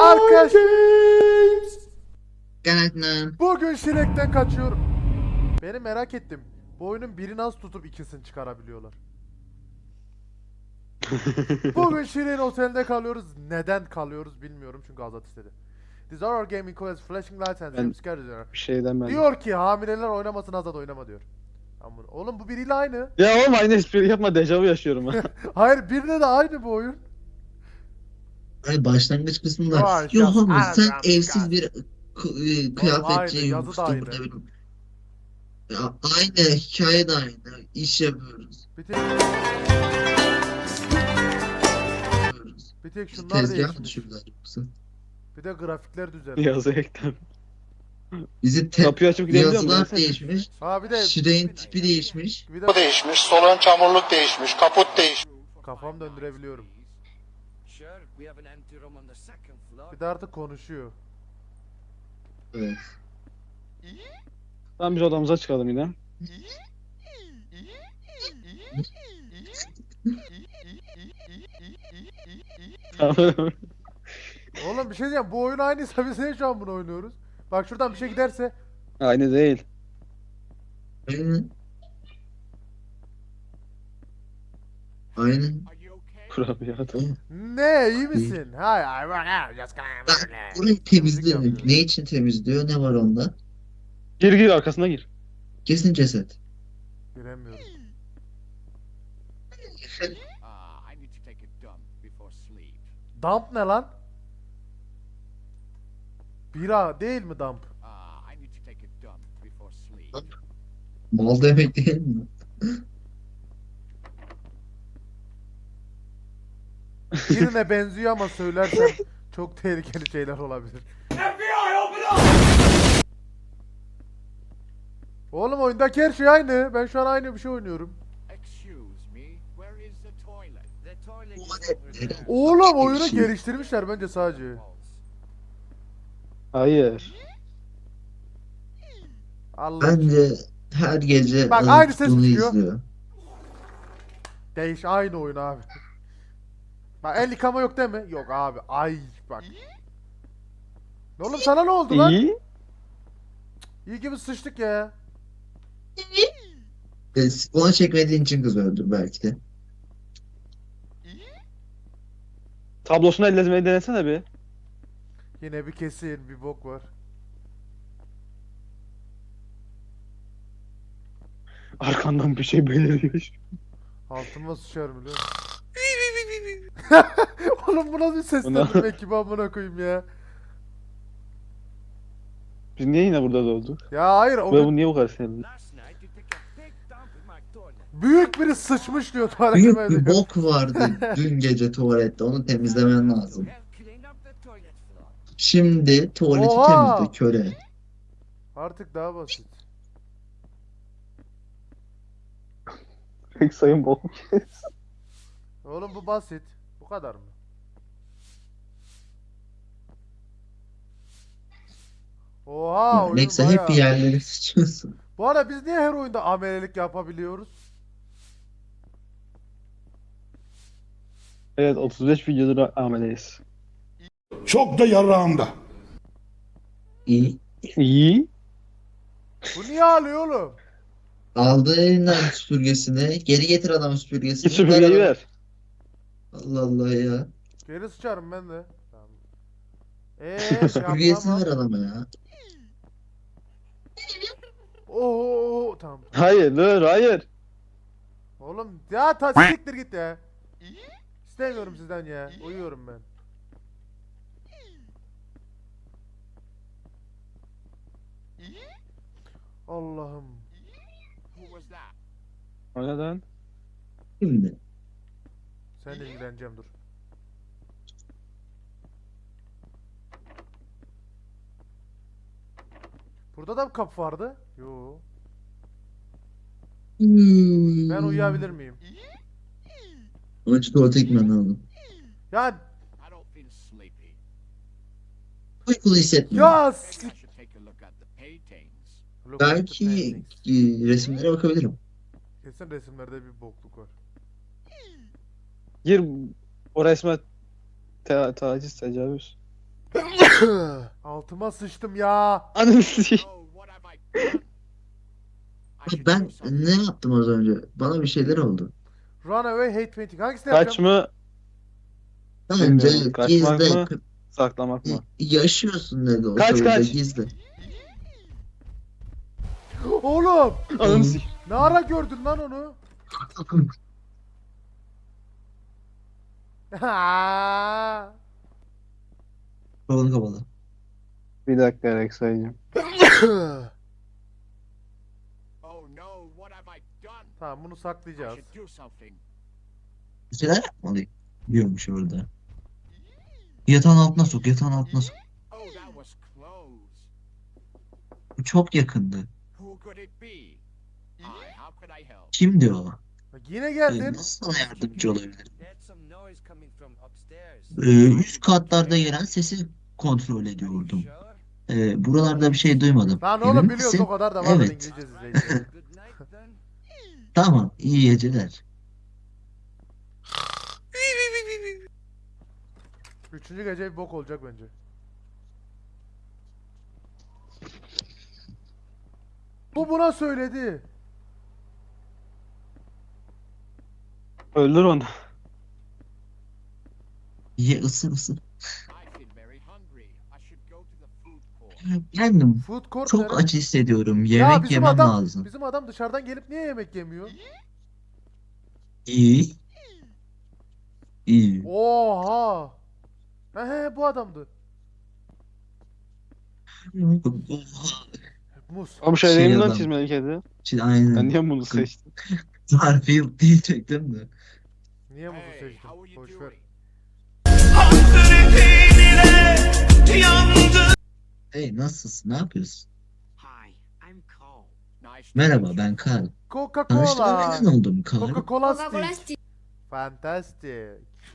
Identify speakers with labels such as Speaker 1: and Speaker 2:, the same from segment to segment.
Speaker 1: Arkadaş
Speaker 2: Gangnam.
Speaker 1: bugün Shrek'ten kaçıyorum. Beni merak ettim. Bu oyunun biri nasıl tutup ikisini çıkarabiliyorlar? Bugün Shrek'in otelinde kalıyoruz. Neden kalıyoruz bilmiyorum çünkü Azat istedi. These are our gaming calls, flashing lights and
Speaker 3: Ben-
Speaker 1: jump scares.
Speaker 3: Bir şey demem.
Speaker 1: Diyor ki hamileler oynamasın, Azat oynama diyor. Aman, oğlum bu biriyle aynı.
Speaker 3: Ya oğlum aynı espri yapma, dejavu yaşıyorum ha.
Speaker 1: Hayır, birine de aynı bu oyun.
Speaker 2: Hani başlangıç kısmında
Speaker 1: Yavaş,
Speaker 2: yok
Speaker 1: yavaş.
Speaker 2: ama
Speaker 1: Aynen,
Speaker 2: sen
Speaker 1: yavaş,
Speaker 2: evsiz
Speaker 1: yavaş.
Speaker 2: bir
Speaker 1: aynı,
Speaker 2: kıyafetçiye
Speaker 1: yazı da
Speaker 2: yoksun
Speaker 1: aynı.
Speaker 2: burada benim. Ya, aynı hikaye de aynı. İş yapıyoruz.
Speaker 1: Bir tek, bir tek
Speaker 2: Biz
Speaker 1: şunlar
Speaker 2: tezgah mı
Speaker 1: değişmiş.
Speaker 2: düşürdüler yoksa?
Speaker 1: Bir de grafikler düzelmiş.
Speaker 3: Yazı ekten.
Speaker 2: Bizi
Speaker 3: Kapıyı açıp gidebiliyor muyum lan
Speaker 2: yazılar
Speaker 3: sen?
Speaker 2: değişmiş.
Speaker 1: Ha bir de
Speaker 2: Şire'in tipi değişmiş.
Speaker 1: bir de
Speaker 4: Bu değişmiş, solun çamurluk değişmiş, kaput değişmiş.
Speaker 1: kafam döndürebiliyorum. Bir de artık konuşuyor.
Speaker 2: Evet.
Speaker 3: Tamam, biz odamıza çıkalım yine. Tamam.
Speaker 1: Oğlum bir şey diyeceğim. Bu oyun aynıysa biz niye şu an bunu oynuyoruz? Bak şuradan bir şey giderse.
Speaker 3: Aynı değil.
Speaker 2: Aynen. Aynen.
Speaker 3: Kurabiye adam.
Speaker 2: Tamam.
Speaker 1: Ne iyi misin? Hayır.
Speaker 2: Bak burayı temizliyor. Ne için temizliyor? Ne var onda?
Speaker 3: Gir arkasına gir.
Speaker 2: Kesin ceset.
Speaker 1: Giremiyorum. Dump ne lan? Bira değil mi dump?
Speaker 2: Mal demek değil mi?
Speaker 1: Birine benziyor ama söylersem çok tehlikeli şeyler olabilir. Oğlum oyundaki her şey aynı. Ben şu an aynı bir şey oynuyorum. Oğlum oyunu geliştirmişler bence sadece.
Speaker 3: Hayır.
Speaker 1: Allah
Speaker 2: Bence her gece
Speaker 1: Bak,
Speaker 2: alıp
Speaker 1: aynı ses
Speaker 2: bunu
Speaker 1: çıkıyor.
Speaker 2: izliyor.
Speaker 1: Değiş aynı oyun abi. Bak el yıkama yok değil mi? Yok abi. Ay bak. Oğlum sana ne oldu lan?
Speaker 3: İyi.
Speaker 1: İyi gibi sıçtık ya.
Speaker 2: Ona çekmediğin için kız öldür belki de.
Speaker 3: Tablosunu elletmeyi denesene bir.
Speaker 1: Yine bir kesin bir bok var.
Speaker 3: Arkandan bir şey beliriyor.
Speaker 1: Altıma sıçarım biliyor musun? Oğlum bu nasıl bir seslendirme ekibi amına koyayım ya.
Speaker 3: Biz niye yine burada olduk?
Speaker 1: Ya hayır o
Speaker 3: Ve
Speaker 1: gün
Speaker 3: bu niye bu kadar sinirli?
Speaker 1: büyük biri sıçmış diyor
Speaker 2: Büyük
Speaker 1: tuvaletime
Speaker 2: bir
Speaker 1: diyor.
Speaker 2: bok vardı dün gece tuvalette. Onu temizlemen lazım. Şimdi tuvaleti
Speaker 1: Oha!
Speaker 2: temizle köre.
Speaker 1: Artık daha basit.
Speaker 3: Pek sayın bol.
Speaker 1: Oğlum bu basit. Bu kadar mı? Oha oyun
Speaker 2: Neyse hep bir
Speaker 1: bayağı.
Speaker 2: yerlere sıçıyorsun.
Speaker 1: Bu arada biz niye her oyunda amelelik yapabiliyoruz?
Speaker 3: Evet, 35 videodur ameleyiz.
Speaker 5: Çok da yarağımda.
Speaker 2: İyi.
Speaker 3: İyi.
Speaker 1: Bu niye ağlıyor oğlum?
Speaker 2: Aldı elinden süpürgesini. Geri getir adamın süpürgesini.
Speaker 3: Git süpürgeyi
Speaker 2: adamı.
Speaker 3: ver.
Speaker 2: Allah Allah ya.
Speaker 1: Geri sıçarım ben de. Tamam.
Speaker 2: Süpürgesini ver
Speaker 1: yapamam.
Speaker 2: adama ya.
Speaker 1: Oo tamam.
Speaker 3: Hayır, dur, hayır.
Speaker 1: Oğlum ya siktir git ya. İstemiyorum sizden ya. Uyuyorum ben. Allah'ım.
Speaker 3: O neden?
Speaker 2: Şimdi.
Speaker 1: Seninle ilgileneceğim dur. Burada da bir kapı vardı. Yo. Ben uyuyabilir miyim?
Speaker 2: Önce tuvalete gitmen lazım.
Speaker 1: Ya
Speaker 2: Uykulu hissetmiyorum.
Speaker 1: ya
Speaker 2: Belki resimlere bakabilirim.
Speaker 1: Kesin resimlerde bir bokluk var.
Speaker 3: Gir o resme taciz, tecavüz.
Speaker 1: Altıma sıçtım ya.
Speaker 3: Ananı sikeyim.
Speaker 2: Ben ne yaptım az önce? Bana bir şeyler oldu.
Speaker 1: Runaway hate painting. Hangisini
Speaker 3: Kaç
Speaker 1: yapacağım?
Speaker 3: mı?
Speaker 2: Bence
Speaker 3: Bilmiyorum. Kaçmak
Speaker 2: gizle.
Speaker 3: mı? Saklamak mı?
Speaker 2: Yaşıyorsun ne de olsa
Speaker 3: Kaç,
Speaker 2: burada
Speaker 3: kaç?
Speaker 2: gizle.
Speaker 1: Oğlum.
Speaker 3: Ananı sikeyim.
Speaker 1: Ne ara gördün lan onu? Ha.
Speaker 2: Kolunu kapalı.
Speaker 3: Bir dakika Rex sayacağım.
Speaker 4: Oh no, what have I done?
Speaker 1: Tamam bunu
Speaker 4: I
Speaker 1: saklayacağız.
Speaker 4: should do something.
Speaker 2: Bir şeyler yapmalıyım. Diyormuş orada. Yatağın altına sok, yatağın altına sok.
Speaker 4: Oh, that was close.
Speaker 2: Bu çok yakındı.
Speaker 4: Who could it be? I, how could I help?
Speaker 2: Kimdi o?
Speaker 1: Bak yine geldin.
Speaker 2: Nasıl sana yardımcı olabilir?
Speaker 6: There's some noise coming from upstairs.
Speaker 2: Üst katlarda gelen sesi kontrol ediyordum.
Speaker 6: Sure?
Speaker 2: Buralarda bir şey duymadım.
Speaker 1: Lan
Speaker 2: Emin
Speaker 1: oğlum biliyoruz
Speaker 2: misin?
Speaker 1: o kadar da var
Speaker 2: Evet.
Speaker 1: İngilizce izleyicileri.
Speaker 6: Good night then.
Speaker 2: Tamam, iyi geceler.
Speaker 1: Üçüncü gece bir bok olacak bence. Bu buna söyledi.
Speaker 3: Öldür onu.
Speaker 2: Ye ısır ısır.
Speaker 4: I feel very hungry. I should go to the food court.
Speaker 2: Kendim
Speaker 1: Food court
Speaker 2: çok
Speaker 1: nerede?
Speaker 2: aç hissediyorum.
Speaker 1: Ya
Speaker 2: Yemek
Speaker 1: bizim
Speaker 2: yemem
Speaker 1: adam,
Speaker 2: lazım.
Speaker 1: Bizim adam dışarıdan gelip niye yemek yemiyor?
Speaker 2: İyi. İyi.
Speaker 1: Oha. He bu adamdı.
Speaker 2: Oha.
Speaker 1: Muz.
Speaker 3: Oğlum şey
Speaker 2: Şey
Speaker 3: değil mi lan
Speaker 2: adam.
Speaker 3: çizmeli kedi?
Speaker 2: Şimdi aynen.
Speaker 3: Ben niye bunu seçtim?
Speaker 2: Garfield diyecektim de.
Speaker 1: Niye muzu
Speaker 4: Hey,
Speaker 1: seçtin?
Speaker 4: how are you
Speaker 1: Boş ver.
Speaker 4: doing?
Speaker 2: Hey nasılsın? Ne yapıyorsun?
Speaker 6: Hi, I'm Cole.
Speaker 4: Nice to
Speaker 2: Merhaba
Speaker 4: meet you.
Speaker 2: ben Carl.
Speaker 1: Coca-Cola.
Speaker 2: Tanıştığıma memnun oldum Carl.
Speaker 1: Coca-Cola stick. Fantastic.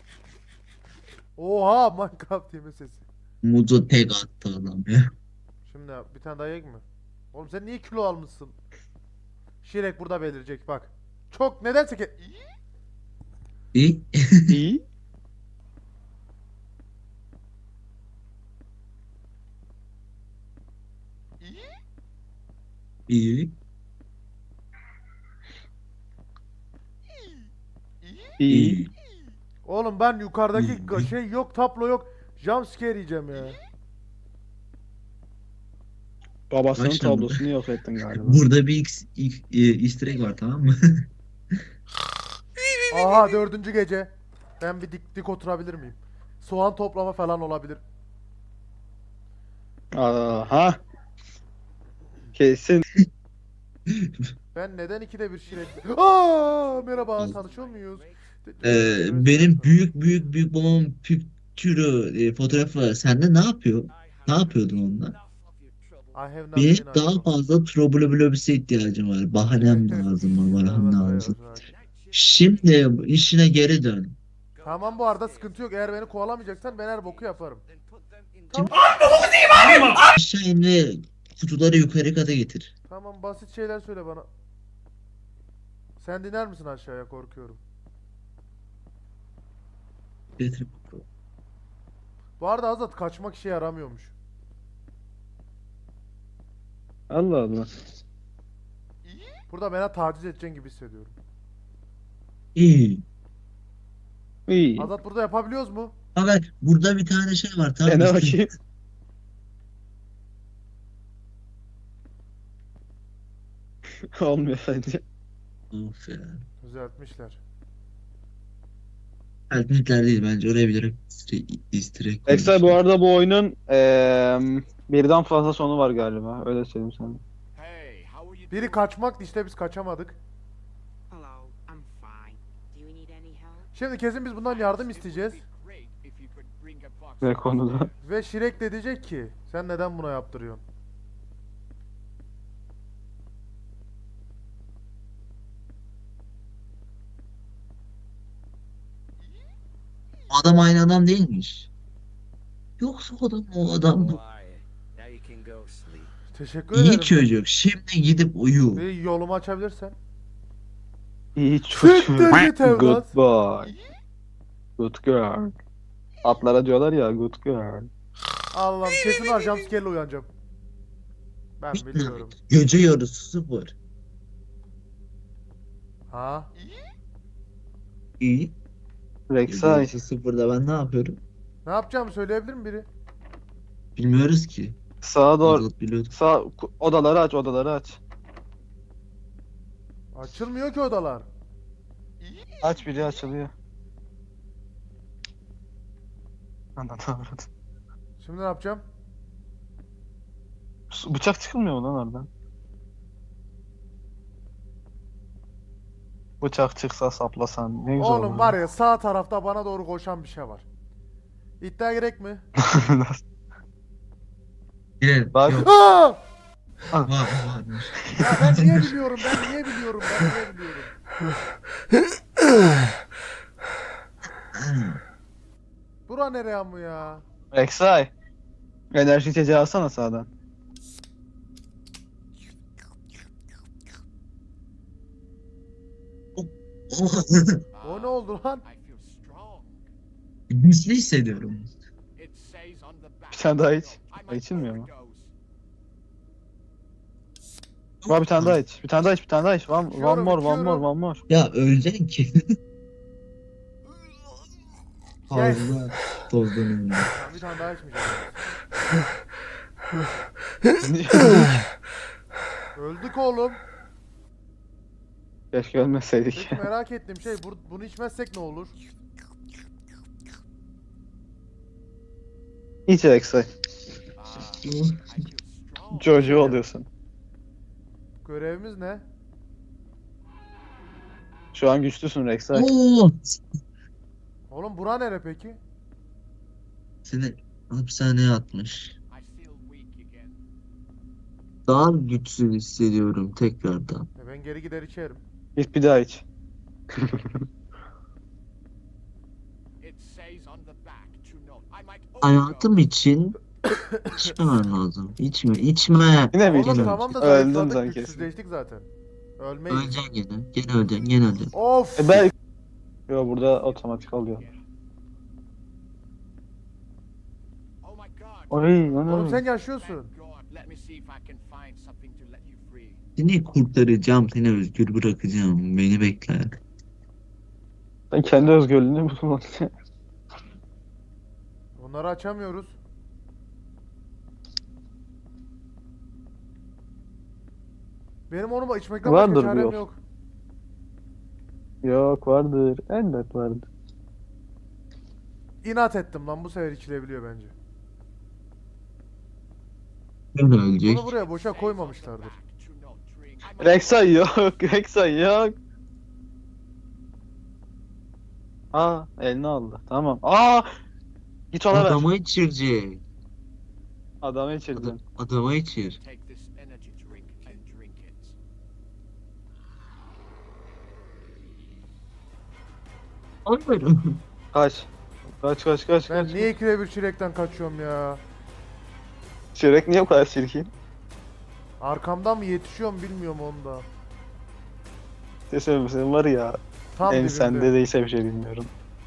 Speaker 1: Oha Minecraft yeme sesi.
Speaker 2: Muzu tek attı adam ya.
Speaker 1: Şimdi bir tane daha yiyek mi? Oğlum sen niye kilo almışsın? Şirek burada belirecek bak. Çok nedense ki...
Speaker 2: İyi.
Speaker 3: İyi.
Speaker 2: İyi.
Speaker 3: İyi.
Speaker 2: İyi.
Speaker 1: Oğlum ben yukarıdaki
Speaker 2: İyi.
Speaker 1: şey yok, tablo yok. Jumpscare yiyeceğim ya.
Speaker 3: Babasının
Speaker 2: Başlama.
Speaker 3: tablosunu yok ettin galiba.
Speaker 2: Burada bir easter egg var tamam mı?
Speaker 1: Aha dördüncü gece. Ben bir dik oturabilir miyim? Soğan toplama falan olabilir.
Speaker 3: Aha. Kesin.
Speaker 1: Ben neden ikide bir şirek... Aa merhaba tanışıyor muyuz?
Speaker 2: Benim büyük babamın püktürü fotoğrafı var. Sende ne yapıyor? Ne yapıyordun onunla?
Speaker 1: I have not
Speaker 2: Benim
Speaker 1: been
Speaker 2: daha
Speaker 1: idle.
Speaker 2: fazla trobolobülobüse ihtiyacım var. Bahanem lazım, bahanem lazım.
Speaker 1: Evet.
Speaker 2: Şimdi işine geri dön.
Speaker 1: Tamam bu arada sıkıntı yok. Eğer beni kovalamayacaksan ben her boku yaparım.
Speaker 6: Then put them in
Speaker 1: Tamam.
Speaker 2: Aşağı in ve kutuları yukarı kata getir.
Speaker 1: Tamam basit şeyler söyle bana. Sen diner misin aşağıya korkuyorum.
Speaker 2: Getir.
Speaker 1: Bu arada Azat kaçmak işe yaramıyormuş.
Speaker 3: Allah Allah.
Speaker 1: Burada bana taciz edeceksin gibi hissediyorum.
Speaker 2: İyi.
Speaker 3: İyi.
Speaker 1: Azat burada yapabiliyoruz mu?
Speaker 2: Haber burada bir tane şey var tamam mı?
Speaker 3: Dene bakayım. Olmuyor bence.
Speaker 2: Of ya.
Speaker 1: Düzeltmişler.
Speaker 2: Alternatler değil bence oraya bilerek easter egg
Speaker 3: Ekstra bu
Speaker 2: koymuşlar.
Speaker 3: arada bu oyunun birden fazla sonu var galiba. Öyle söyleyeyim sana.
Speaker 4: Hey, how are you
Speaker 1: Biri
Speaker 4: doing?
Speaker 1: kaçmaktı işte biz kaçamadık.
Speaker 7: Hello, I'm fine. Do you need any help?
Speaker 1: Şimdi kesin biz bundan yardım
Speaker 4: It would
Speaker 1: isteyeceğiz.
Speaker 4: be great if you could bring a box
Speaker 3: Ne
Speaker 4: of
Speaker 3: konuda?
Speaker 1: Ve Şirek de diyecek ki sen neden buna yaptırıyorsun?
Speaker 2: Adam aynı adam değilmiş. Yoksa o adam
Speaker 6: How are you? Now you can go sleep.
Speaker 1: Teşekkür
Speaker 2: iyi
Speaker 1: ederim.
Speaker 2: çocuk. Şimdi gidip uyu.
Speaker 1: Bir yolumu açabilirsen.
Speaker 3: İyi
Speaker 1: Siktir
Speaker 3: çocuk.
Speaker 1: git evlat.
Speaker 3: Good boy. Good girl. Atlara diyorlar ya good girl.
Speaker 1: Allah'ım kesin var jumpscare'le uyanacağım. Ben biliyorum.
Speaker 2: Gece yarısı 0.
Speaker 1: Ha?
Speaker 2: İyi. Gece
Speaker 3: Rek'Sai.
Speaker 2: yarısı 0'da ben ne yapıyorum?
Speaker 1: Ne yapacağımı söyleyebilir mi biri?
Speaker 2: Bilmiyoruz ki.
Speaker 3: Sağa doğru.
Speaker 2: Azat biliyorduk.
Speaker 3: Odaları aç, odaları aç.
Speaker 1: Açılmıyor ki odalar.
Speaker 3: Aç, biri açılıyor. Anladım.
Speaker 1: Şimdi ne yapacağım?
Speaker 3: Bıçak çıkmıyor mu lan oradan? Bıçak çıksa saplasan ne güzel
Speaker 1: Oğlum
Speaker 3: olur.
Speaker 1: var ya sağ tarafta bana doğru koşan bir şey var. İddia gerek mi?
Speaker 2: Girelim.
Speaker 3: Bak.
Speaker 2: Yok.
Speaker 1: Aa!
Speaker 2: Varmış.
Speaker 1: Ya ben niye biliyorum? Ben niye biliyorum? Ben niye biliyorum? Bura nereye ama ya?
Speaker 3: Rek'Sai. Enerji içeceği alsana sağdan.
Speaker 1: O ne oldu lan?
Speaker 4: I feel strong.
Speaker 2: Güçlü hissediyorum.
Speaker 4: It says on the back.
Speaker 3: Bir tane daha iç.
Speaker 4: I might
Speaker 3: İçilmiyor mu?
Speaker 4: overdose.
Speaker 3: Var bir tane daha iç. Bir tane daha iç, bir tane daha iç. One
Speaker 1: İçiyorum,
Speaker 3: more, one
Speaker 1: içiyorum.
Speaker 3: more, one more.
Speaker 2: Ya öleceksin ki.
Speaker 1: Yes.
Speaker 2: Fazla tozlanıyorum.
Speaker 1: Ben bir tane daha içmeyeceğim. Öldük oğlum.
Speaker 3: Keşke ölmeseydik.
Speaker 1: Peki merak ettiğim şey bunu içmezsek ne olur?
Speaker 3: İç Rek'Sai.
Speaker 4: I feel strong.
Speaker 3: Jojo oluyorsun.
Speaker 1: Görevimiz ne?
Speaker 3: Şu an güçlüsün Rek'Sai.
Speaker 2: Oo!
Speaker 1: Oğlum bura nere peki?
Speaker 2: Seni hapishaneye atmış.
Speaker 4: I feel weak again.
Speaker 2: Daha güçsüz hissediyorum tekrardan.
Speaker 1: Ben geri gider içerim.
Speaker 3: Git bir daha iç.
Speaker 4: It says on the back to note. I might
Speaker 2: Hayatım
Speaker 4: overdose.
Speaker 2: için içmemen lazım. İçme.
Speaker 3: Yine mi
Speaker 1: Oğlum
Speaker 3: içtin?
Speaker 1: tamam da
Speaker 3: Öldüm
Speaker 1: zayıfladık,
Speaker 3: sanki.
Speaker 1: güçsüzleştik zaten. Ölmeyiz.
Speaker 2: Öleceksin gene. Gene öleceksin. Gene öleceksin.
Speaker 1: Of!
Speaker 3: Ben... Yo, burada otomatik alıyor.
Speaker 4: Oh my god.
Speaker 3: Oy,
Speaker 1: Oğlum sen
Speaker 3: onu.
Speaker 1: yaşıyorsun.
Speaker 4: Thank God. Let me see if I can find something to let you free.
Speaker 2: Seni kurtaracağım. Seni özgür bırakacağım. Beni bekle.
Speaker 3: Sen kendi özgürlüğünü bulmak.
Speaker 1: Bunları açamıyoruz. Benim onu içmekten başka
Speaker 3: Vardır bir
Speaker 1: çarem
Speaker 3: yol.
Speaker 1: yok.
Speaker 3: Yok, vardır. Elbet vardır.
Speaker 1: İnat ettim lan, bu sefer içilebiliyor bence.
Speaker 2: Böyle ölecek.
Speaker 1: Bunu buraya boşa koymamışlardır.
Speaker 4: Back to note. Drink. I might
Speaker 3: Rek'Sai yok. Rek'Sai yok. Aa, elini aldı. Tamam. Aa! Git ona ver.
Speaker 2: Adama içirecek.
Speaker 3: Adamı içirdin.
Speaker 2: Adama içir.
Speaker 4: take this energy drink and drink it.
Speaker 2: Hayır.
Speaker 3: Kaç. Kaç.
Speaker 1: Ben niye ikide bir çilekten kaçıyorum ya?
Speaker 3: Çörek niye bu kadar çirkin?
Speaker 1: Arkamdan mı yetişiyorum bilmiyorum onda.
Speaker 3: Senin var ya.
Speaker 1: Tam
Speaker 3: En
Speaker 1: dibimde.
Speaker 3: sende değilse bir şey bilmiyorum.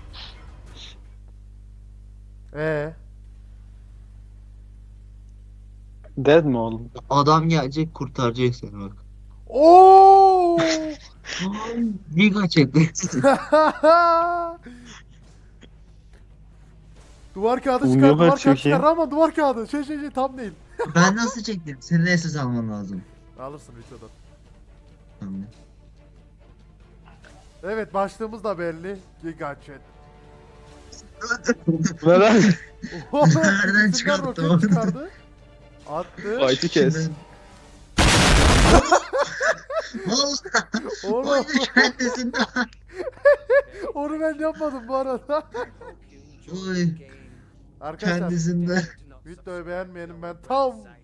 Speaker 3: Dead mi oğlum?
Speaker 2: Adam gelecek kurtaracak seni bak.
Speaker 1: Oo!
Speaker 2: Giga çekti.
Speaker 1: Duvar kağıdı
Speaker 3: Oğlum
Speaker 1: çıkar,
Speaker 3: yok
Speaker 1: duvar
Speaker 3: artık
Speaker 1: kağıdı
Speaker 3: ya.
Speaker 1: çıkar ama duvar kağıdı. Tam değil.
Speaker 2: Ben nasıl çektim? Senin esas alman lazım.
Speaker 1: Alırsın videodan.
Speaker 2: Tamam.
Speaker 1: Evet, başlığımız da belli. Giga Chat.
Speaker 3: Neden?
Speaker 2: Nereden
Speaker 1: İkisinden
Speaker 2: çıkarttı
Speaker 1: roket
Speaker 2: onu?
Speaker 1: çıkardı. Attı.
Speaker 3: Fight'ı kes.
Speaker 2: Vallahi
Speaker 1: Oğlum
Speaker 2: oyunu kendisinden.
Speaker 1: onu ben yapmadım bu arada.
Speaker 2: Oy
Speaker 1: Arkadaşlar
Speaker 2: kendisinden.
Speaker 1: videoyu beğenmeyenim ben tam